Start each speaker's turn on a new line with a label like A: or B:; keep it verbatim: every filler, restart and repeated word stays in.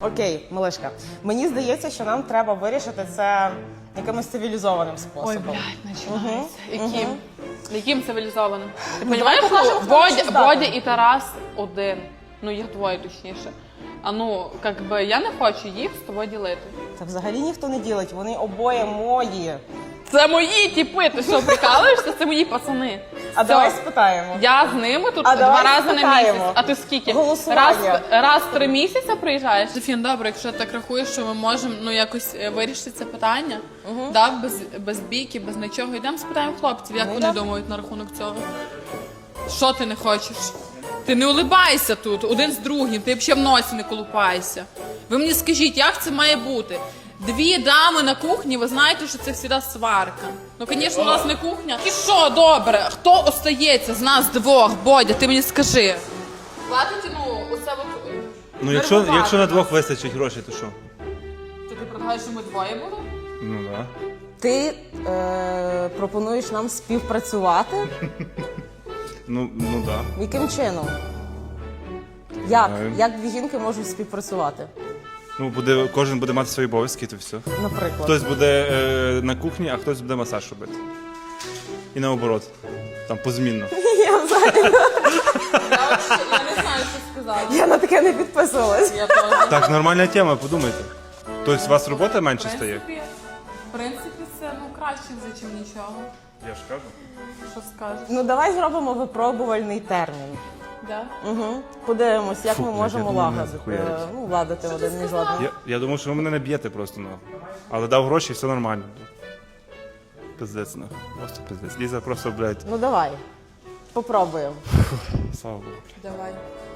A: Окей, Милишка, мені здається, що нам треба вирішити це якимось цивілізованим способом.
B: Ой, блядь, починається.
A: Угу.
B: Яким?
A: Угу.
B: Яким цивілізованим? Ти
A: Ну,
B: розумієш,
A: давай покажемо,
B: що
A: хто на що
B: Бодя,
A: здатен.
B: Бодя і Тарас один. Ну, їх двоє точніше. А ну, як би, я не хочу їх з тобою ділити.
A: Та взагалі ніхто не ділить, вони обоє мої.
B: Це мої тіпи, ти що, прикалуєшся? Це мої пацани.
A: А
B: Все.
A: давай спитаємо.
B: Я з ними тут
A: А
B: два
A: давай
B: рази на
A: спитаємо.
B: місяць. А ти скільки?
A: Голосування.
B: Раз, раз в три місяці приїжджаєш? Софін, добре, якщо ти так рахуєш, що ми можемо ну, якось е, вирішити це питання,
A: Угу.
B: да, без, без бійки, без нічого. Йдемо спитаємо хлопців, як
A: Ну,
B: вони
A: да.
B: думають на рахунок цього. Що ти не хочеш? Ти не улибайся тут, один з другим, ти взагалі в носі не колупайся. Ви мені скажіть, як це має бути? Дві дами на кухні, ви знаєте, що це завжди сварка. Ну, звісно, у нас не кухня. І що, добре, хто остається з нас двох? Бодя, ти мені скажи. Платить, ну, оце от...
C: Ну, якщо, якщо на двох вистачить грошей, то що?
B: То ти предлагаєш, що ми двоє будемо?
C: Ну, так. Да.
A: Ти е, пропонуєш нам співпрацювати?
C: Ну, ну, так. Да.
A: Яким чином? Як?
C: Знаю.
A: Як дві жінки можуть співпрацювати?
C: Ну, буде, кожен буде мати свої обов'язки, то все.
A: Наприклад.
C: Хтось буде е, на кухні, а хтось буде масаж робити. І наоборот. Там позмінно.
A: Я взагалі
B: Я, я не знаю, що сказати.
A: я на таке не підписувалась.
B: Я теж.
C: Так, нормальна тема, подумайте. Тобто у вас робота менше
B: В
C: стає?
B: принципі, в принципі, це ну, краще вже, ніж нічого.
C: Я ж кажу.
B: Що скажеш?
A: Ну давай зробимо випробувальний термін.
B: Да?
A: Угу. Подивимось, як
C: Фу,
A: ми
C: блядь,
A: можемо
C: я думав, мене
A: лагодити,
C: захуярить.
A: ну, ладити один між одним.
C: Я, я думав, що ви мене не б'єте просто, ну. Але дав гроші, все нормально. Пиздець, ну. Просто пиздець. Ліза просто, блядь,
A: Ну давай, попробуємо.
C: слава Богу.
B: Давай.